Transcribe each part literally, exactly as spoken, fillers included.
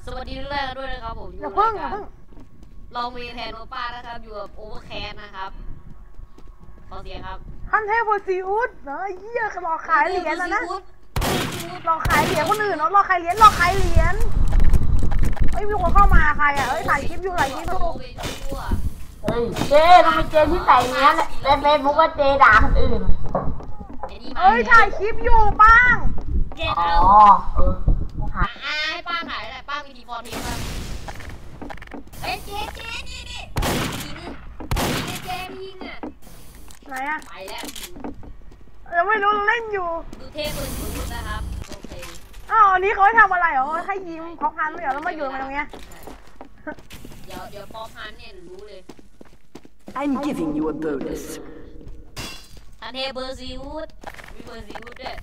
สวัสดีทุกท่านด้วยนะครับผมอยู่อย่ากัเพิ่งบอย่าเพิ่งเรามีแทนโอป้านะครับอยู่กับโอเวอร์แคสนะครับขอเสียงครับคันเทพบนซีอุดเนอะเยี่ยหลอกขายเหรียญนะนะหลอกขายเหรียญคนอื่นเนาะหลอกขายเหรียญหลอกขายเหรียญเอ้ยมีคนเข้ามาใครอ่ะเอ้ยถ่ายคลิปอยู่ถ่ายคลิปอยู่เฮ้ยเจ๊ทำไมเจ๊ที่ใส่เนี้ยในเฟซบุ๊กว่าเจ๊ด่าคนอื่นเอ้ยถ่ายคลิปอยู่ป้างเจ็ดอ๋อเอาเอออ่าให้ป้าถ่ายอะไรป้ามีทีฟอร์ทีมาเอ้ยเจ๊เจ๊นี่นี่ยิงยิงเจ๊ยิงอ่ะไหนอ่ะไปแล้วยังไม่รู้เล่นอยู่ดูเทพคนสุดนะครับโอเคอ้าวอันนี้เขาให้ทำอะไรเหรอให้ยิ้มเขาพันไม่เหรอแล้วมาอยู่มาตรงเนี้ยเดี๋ยวเดี๋ยวพอพันเนี่ยรู้เลย I'm giving you a bonus. อันเทเบอร์ซีวูดมีเบอร์ซีวูดด้วย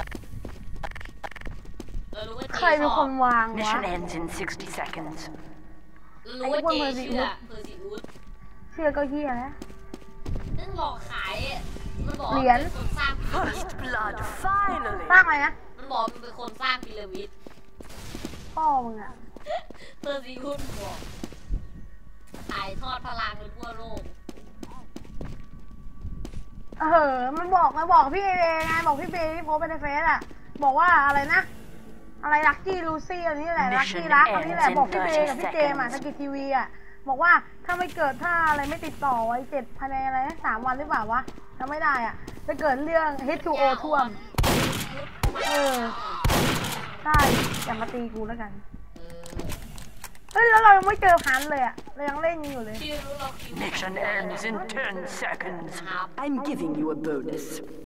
เรารู้ว่าเจ๊ใครเป็นคนวางวะ Mission ends in sixty seconds. รู้ว่าเจ๊เชื่อเบอร์ซีวูดเชื่อก็เฮียนะนั่นหลอกขายอ่ะมันบอกเหรียญเป็นคนสร้างพีระมิด First blood, finally. สร้างอะไรนะมันบอกมันเป็นคนสร้างพีระมิดพ่อมึงอ่ะเบอร์ซีวูดบอกถ่ายทอดพลังไปทั่วโลกเออมันบอกมาบอกพี่เอไงบอกพี่เบย์ที่โพสไปในเฟซอ่ะบอกว่าอะไรนะอะไรลักกี้ลูซี่อันนี้แหละลักกี้รักอันนี้แหละบอกพี่เบย์กับพี่เจมอ่ะสกิททีวีอ่ะบอกว่าถ้าไม่เกิดถ้าอะไรไม่ติดต่อไว้เจ็ดภายในอะไรสามวันหรือเปล่าวะถ้าไม่ได้อ่ะจะเกิดเรื่อง เอช ทู โอ ท่วมเออใช่อย่ามาตีกูแล้วกันเออเฮ้ยแล้วเรายังไม่เจอพันเลยอ่ะเรายังเล่นอยู่เลยชื่อรู้เราคิว Mission ends in ten seconds. ครับ I'm giving you a bonus.